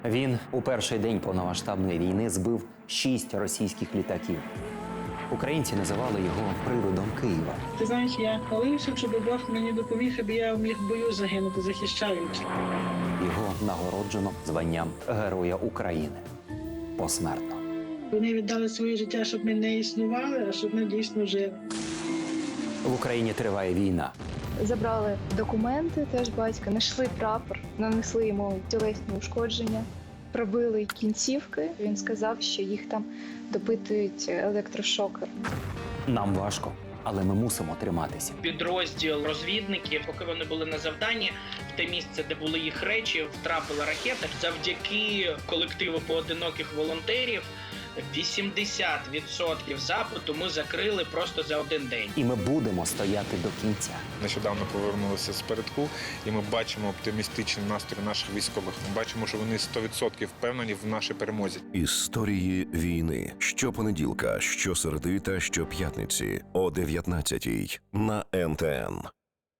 Він у перший день повномасштабної війни збив 6 російських літаків. Українці називали його привидом Києва. Ти знаєш, я молився, щоб Бог мені допоміг, аби я міг в бою загинути, захищаючи. Його нагороджено званням Героя України. Посмертно. Вони віддали своє життя, щоб ми не існували, а щоб ми дійсно жили. В Україні триває війна. Забрали документи теж батька, знайшли прапор, нанесли йому тілесні ушкодження, пробили кінцівки. Він сказав, що їх там допитують електрошокер. Нам важко, але ми мусимо триматися. Підрозділ розвідників, поки вони були на завданні, в те місце, де були їх речі, втрапила ракета. Завдяки колективу поодиноких волонтерів 80% запиту ми закрили просто за один день. І ми будемо стояти до кінця. Нещодавно повернулися з передку, і ми бачимо оптимістичний настрій наших військових. Ми бачимо, що вони 100% впевнені в нашій перемозі. Історії війни. Щопонеділка, щосереди та щоп'ятниці о 19-й на НТН.